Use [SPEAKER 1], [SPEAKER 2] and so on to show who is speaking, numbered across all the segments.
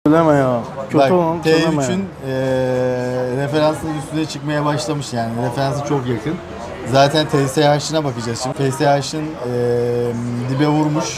[SPEAKER 1] Söyleme ya. Kötü
[SPEAKER 2] Bak,
[SPEAKER 1] olan söyleme ya.
[SPEAKER 2] T3'ün referansının üstüne çıkmaya başlamış yani. Referansı çok yakın. Zaten TSH'ına bakacağız şimdi. TSH'ın dibe vurmuş.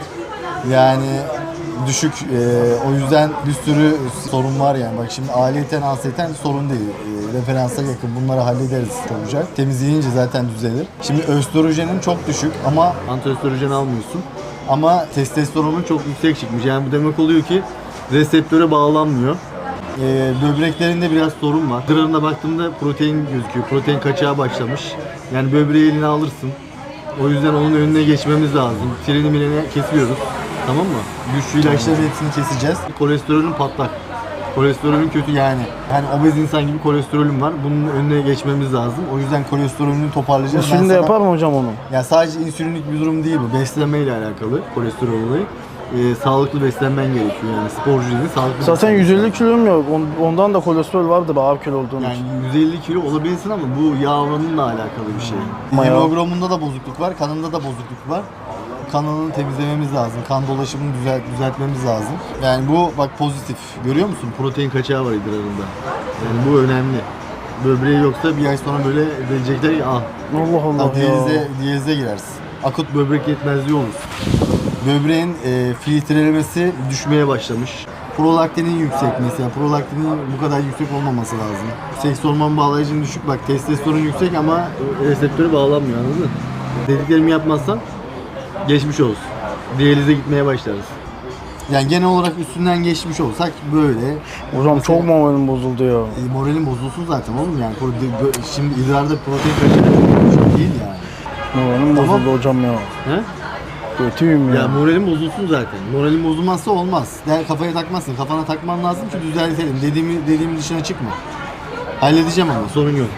[SPEAKER 2] Yani düşük. O yüzden bir sürü sorun var yani. Bak şimdi aliyeten asiyeten sorun değil. Referansa yakın. Bunları hallederiz olacak. Temizleyince zaten düzelir. Şimdi östrojenin çok düşük ama antiöstrojen almıyorsun. Ama testosteronun çok yüksek çıkmış. Yani bu demek oluyor ki reseptöre bağlanmıyor. Böbreklerinde biraz sorun var. Idrarına baktığımda protein gözüküyor. Protein kaçağı başlamış. Yani böbreği eline alırsın. O yüzden onun önüne geçmemiz lazım. Treni mileni kesiyoruz. Tamam mı? Güçlü ilaçların hepsini keseceğiz. Kolesterolün patlak. Kolesterolün kötü yani. Yani obez insan gibi kolesterolün var. Bunun önüne geçmemiz lazım. O yüzden kolesterolünü toparlayacağız.
[SPEAKER 1] Şimdi yapar mı hocam onu?
[SPEAKER 2] Ya sadece insülinlik bir durum değil bu. Beslenmeyle alakalı kolesterol olayı. Sağlıklı beslenmen gerekiyor yani sporcu değil, sağlıklı.
[SPEAKER 1] Zaten 150 kilom yok. Ondan da kolesterol vardır ağır kilo olduğun
[SPEAKER 2] yani
[SPEAKER 1] için.
[SPEAKER 2] 150 kilo olabilirsin ama bu yağ oranınla alakalı bir şey. Hemoglobunda da bozukluk var, kanında da bozukluk var. Kanını temizlememiz lazım, kan dolaşımını düzeltmemiz lazım. Yani bu bak pozitif. Görüyor musun? Protein kaçağı var idrarında. Yani bu önemli. Böbreği yoksa bir ay sonra böyle verecekler ya.
[SPEAKER 1] Allah Allah ya.
[SPEAKER 2] Diyalize girersin. Akut böbrek yetmezliği olur. Böbreğin filtrelemesi düşmeye başlamış. Prolaktinin yüksek mesela. Prolaktinin bu kadar yüksek olmaması lazım. Seks hormon bağlayıcının düşük. Bak testosteron yüksek ama reseptöre bağlanmıyor, anladın mı? Dediklerimi yapmazsan geçmiş olsun. Diyalize gitmeye başlarız. Yani genel olarak üstünden geçmiş olsak böyle.
[SPEAKER 1] Hocam
[SPEAKER 2] mesela,
[SPEAKER 1] çok moralim bozuldu ya.
[SPEAKER 2] Moralin bozulsun zaten oğlum yani. Şimdi idrarda protein kaçırmak çok değil yani.
[SPEAKER 1] Moralim bozuldu hocam ya.
[SPEAKER 2] He?
[SPEAKER 1] Kötüyüm ya.
[SPEAKER 2] Ya moralin bozulsun zaten. Moralin bozulmazsa olmaz. Kafaya takmazsın. Kafana takman lazım ki düzeltelim. Dediğim dışına çıkma. Halledeceğim ama sorun yok.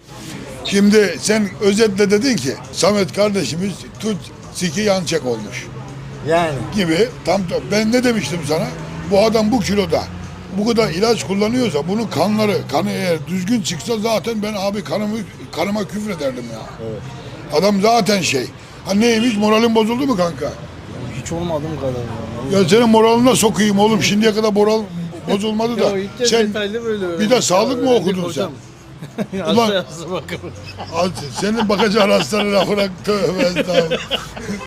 [SPEAKER 3] Şimdi sen özetle dedin ki Samet kardeşimiz tut siki yançak olmuş
[SPEAKER 2] Yani.
[SPEAKER 3] gibi. Ben ne demiştim sana? Bu adam bu kiloda bu kadar ilaç kullanıyorsa bunun kanı eğer düzgün çıksa zaten ben abi kanıma küfrederdim ya.
[SPEAKER 2] Evet.
[SPEAKER 3] Adam zaten Ha neymiş, moralin bozuldu mu kanka?
[SPEAKER 1] Hiç olmadım kadar.
[SPEAKER 3] Ya senin moralına sokayım oğlum, şimdiye kadar moral bozulmadı da. Sen bir de sağlık mı okudun sen? Ulan, senin bakacağın hastalara bırak, tövbe estağfurullah.